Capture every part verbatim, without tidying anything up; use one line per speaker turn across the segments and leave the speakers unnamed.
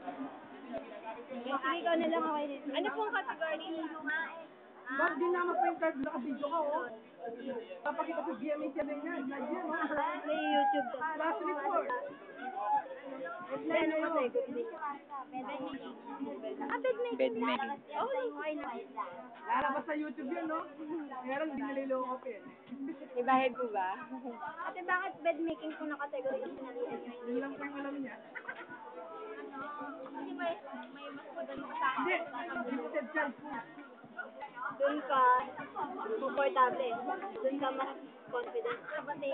Sige, ikaw na lang ako din. Ano pong category?
Bakit di na mag-printer? Naka-video ka, oh. Papakita sa G M A seven yan. Live yan, oh.
May YouTube ka.
Last report.
Ano mo tayo? Ah, bed making.
Bed making.
Oh, okay na.
Lalabas sa YouTube yan, no? Kaya lang, hindi naliloko ko, eh.
May bayad po ba? Ate, bakit bed making po na category yung sinalihan nyo?
Yun lang po yung alam niya.
Kasi may, may mas magaling pa sa
Hindi,
akin.
gifted child po.
Doon ka comfortable. Doon ka mas confident. Kasi,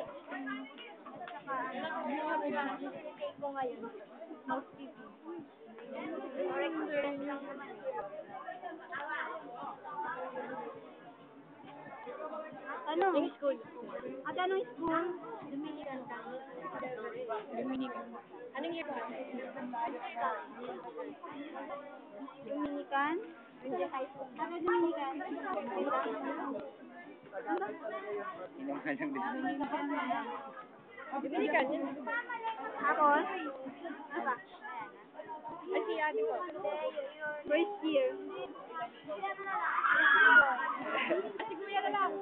take ko ngayon, housekeeping. Or experience lang naman. Ano? Yung school. At anong school? Dominican College.
Dominican.
Anong year ba? Dominican? Hindi high school. Ano Dominican?
Hindi mo alam din.
Dominican yun. Ako? Ano ba? Ay, si ate ko. First year. Si kuya na lang.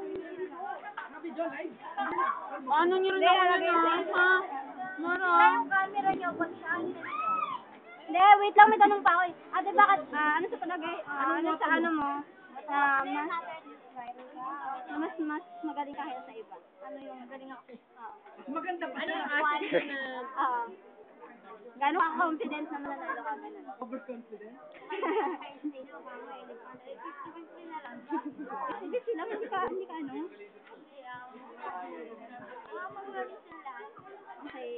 Ano nyo rin ako
na,
ha?
Mara. Yung camera niyo, pag saan? Hindi, wait lang, may tanong pa ako eh. Ate, bakit, ah, ano sa palagay, ah, ano sa ano mo, na mas, na mas, mas magaling ka kaya sa iba? Ano yung magaling ako? Oo.
Maganda pa
Ano
siya.
yung aspect na, oo. Gano'n ka confident na mananalo ka ganun?
Overconfident?
Hindi sila, hindi ka, hindi ka ano? Okay.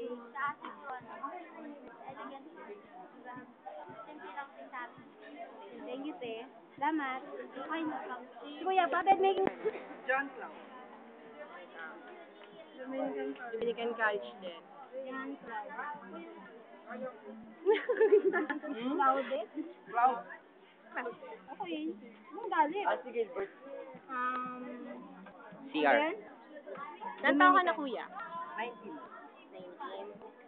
Thank you, te. Salamat. Okay na. Si Kuya, bakit making...
John Cloud.
Dominican College din. Yan, Cloud. Clouded?
Cloud.
Okay. Anong galit?
Ah, sige, Bert.
Um...
C R.
Ilan taon ka na, Kuya?
nineteen.
nineteen.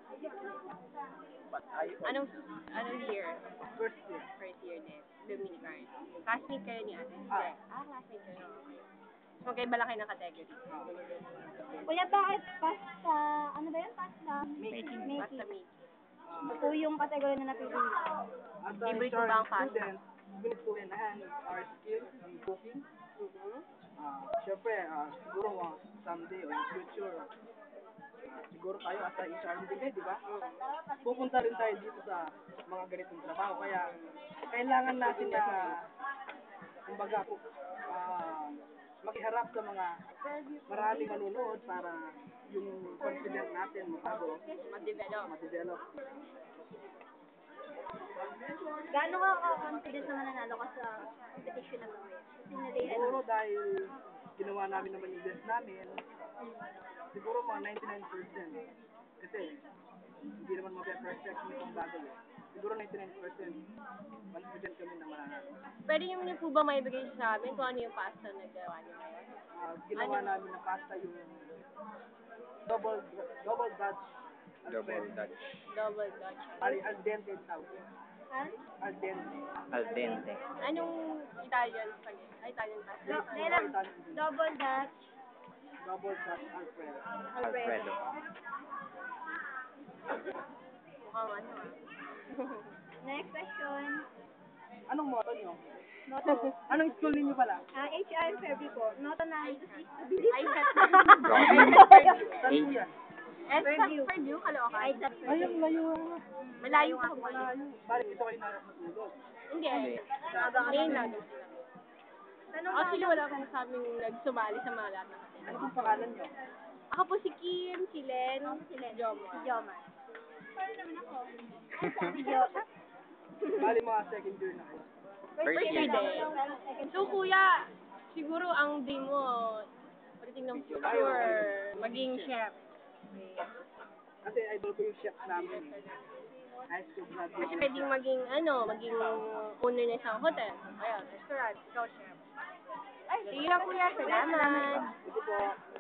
But I...
Anong, anong year?
First year.
First year din. Dominican. Classmate kayo ni ate?
Ah.
Ah, classmate kayo. So, magkaiba lang kayo ng category.
Ah.
Kuya, bakit pasta, ano ba yun? Pasta?
Making.
Pasta making. Ito yung category na napili niyo.
As a
Favorite mo
historic
ba ang pasta?
student, we need to enhance our skills in cooking.
Mhm.
Ah, syempre, ah, siguro uh, someday or in future, ah, siguro tayo as a H R din, di ba? Pupunta rin tayo dito sa mga ganitong trabaho. Kaya, kailangan natin na, kumbaga, ah, makiharap sa mga maraming manunood para yung confident natin mabago,
Ma-develop.
ma-develop.
Gaano ka ka-confident na mananalo ka sa competition na to? Kasi nalihan.
Siguro dahil ginawa namin naman yung best namin, siguro mga ninety-nine percent. Kasi hindi naman mag-perfect yung isang bagay. Siguro ninety-nine percent confident kami na mananalo.
Pwede niyo niyo po ba maibigay sa amin kung ano yung pasta na nagawa niyo ngayon?
Ah, ginawa namin na pasta yung double double Dutch
Double
Alfredo.
Dutch.
Double Dutch.
Al, al dente tawag.
Ha?
Al dente.
Al dente.
Anong Italian spaghetti? Ay, Italian pasta?
Do- Italian.
Double Dutch.
Double Dutch Alfredo.
Alfredo.
Mukhang ano ah. Next question.
Anong motto nyo?
Noto.
Anong school ninyo pala?
Ah, H R February po. Noto na. Ay, cut.
Saan po yan?
S at Purdue, Caloocan. Ay, sa
Ay, ang layo.
Malayo nga po.
Malayo. Bakit ito kayo natulog?
Hindi.
Hindi.
Ngayon lang. Actually, wala akong sabing nagsumali sa mga lahat ng kasi.
Ano pong pangalan nyo?
Ako po si Kim, si Len, si Jomar. Si Jomar. Paano naman ako? Si Jomar.
Bali mga second year na kayo.
First year
din. So, kuya, siguro ang dream mo, pagdating ng future, maging chef.
Kasi idol ko yung chef namin. High school graduate.
Kasi pwedeng maging, ano, maging owner na isang hotel. Ayan, restaurant, ikaw chef. Ay, sige lang kuya, salamat.
Ito po.